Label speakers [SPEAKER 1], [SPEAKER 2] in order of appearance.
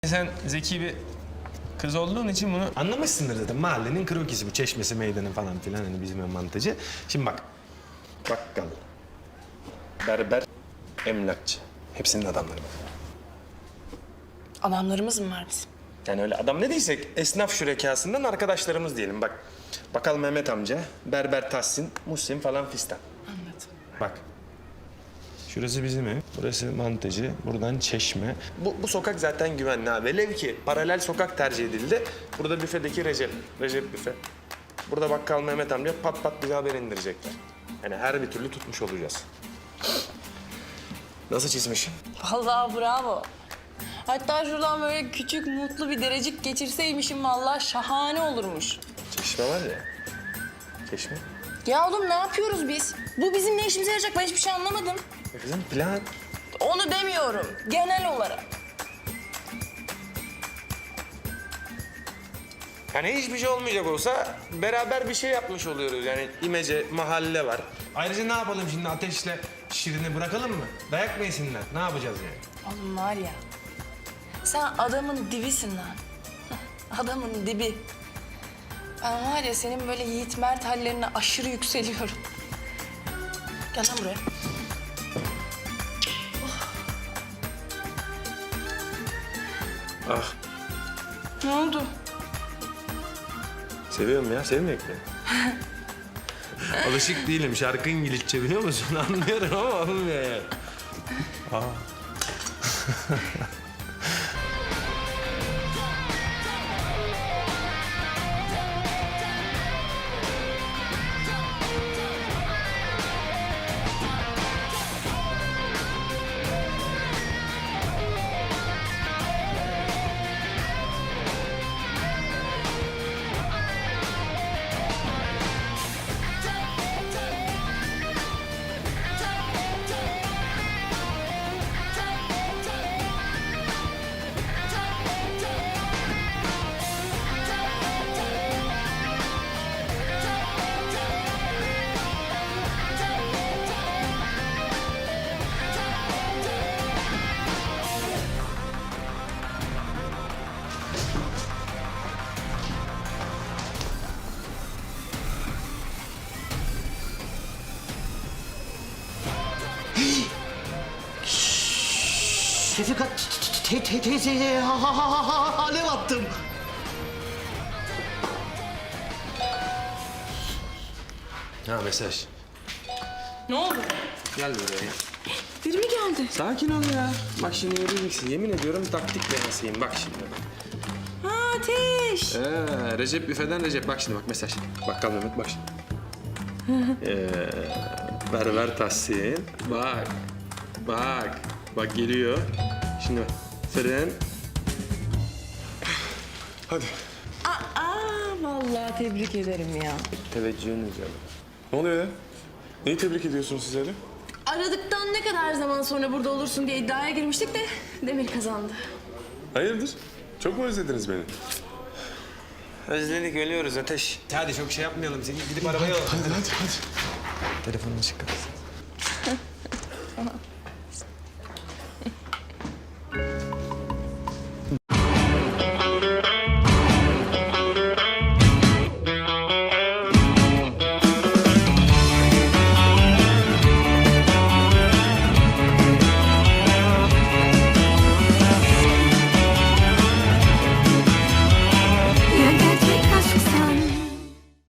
[SPEAKER 1] Sen zeki bir kız olduğun için bunu anlamışsındır zaten. Mahallenin krokisi bu, çeşmesi, meydanı falan filan, hani bizim mantıcı. Şimdi bak, bakkal, berber, emlakçı. Hepsinin adamları bak.
[SPEAKER 2] Adamlarımız mı var bizim?
[SPEAKER 1] Yani öyle adam ne diysek esnaf şürekasından arkadaşlarımız diyelim bak. Bakkal Mehmet amca, berber Tahsin, Muhsin falan fistan.
[SPEAKER 2] Anladım.
[SPEAKER 1] Bak. Şurası bizim ev, burası mantıcı, buradan çeşme. Bu sokak zaten güvenli ha. Velev ki paralel sokak tercih edildi. Burada büfedeki Recep büfe. Burada bakkal Mehmet amca pat pat bize haber indirecekler. Yani her bir türlü tutmuş olacağız. Nasıl çizmişim?
[SPEAKER 2] Vallahi bravo. Hatta şuradan böyle küçük mutlu bir derecik geçirseymişim vallahi şahane olurmuş.
[SPEAKER 1] Çeşme var ya. Çeşme.
[SPEAKER 2] Ya oğlum ne yapıyoruz biz? Bu bizim ne işimize yarayacak? Ben hiçbir şey anlamadım.
[SPEAKER 1] Kızım plan.
[SPEAKER 2] Onu demiyorum. Genel olarak.
[SPEAKER 1] Yani hiçbir şey olmayacak olsa beraber bir şey yapmış oluyoruz. Yani imece, mahalle var. Ayrıca ne yapalım şimdi, Ateş'le Şirin'i bırakalım mı? Dayak mı yesinler? Ne yapacağız yani?
[SPEAKER 2] Oğlum var ya. Sen adamın dibisin lan. Adamın dibi. Ben var ya senin böyle Yiğit Mert hallerine aşırı yükseliyorum. Gel lan buraya.
[SPEAKER 1] Ah,
[SPEAKER 2] Ne oldu?
[SPEAKER 1] seviyorum ya, sevmeyek mi? Alışık değilim, şarkı İngilizce biliyor musun? Anlıyorum ama olmuyor yani.
[SPEAKER 3] Şefika teyzeye alev attım.
[SPEAKER 1] Ha, mesaj.
[SPEAKER 2] Ne oldu?
[SPEAKER 1] Gel buraya.
[SPEAKER 2] Biri mi geldi?
[SPEAKER 1] Sakin ol ya. Bak şimdi göreceksin. Yemin ediyorum taktik denesiyim. Bak şimdi.
[SPEAKER 2] Ha Ateş.
[SPEAKER 1] Recep büfeden Recep. Bak şimdi, bak mesaj. Bakkal Mehmet, bak şimdi. Berber Tahsin. Bak. Bak. Bak geliyor. Şimdi bak. Fren. Hadi.
[SPEAKER 2] Vallahi tebrik ederim ya.
[SPEAKER 1] Teveccühünüz ya.
[SPEAKER 4] Ne oluyor ya? Neyi tebrik ediyorsunuz siz öyle?
[SPEAKER 2] Aradıktan ne kadar zaman sonra burada olursun diye iddiaya girmiştik de Demir kazandı.
[SPEAKER 4] Hayırdır? Çok mu özlediniz beni?
[SPEAKER 1] Özledik, ölüyoruz Ateş. Hadi çok şey yapmayalım. Seni gidip arabaya alalım.
[SPEAKER 4] Hadi.
[SPEAKER 1] Telefonunu çıkar.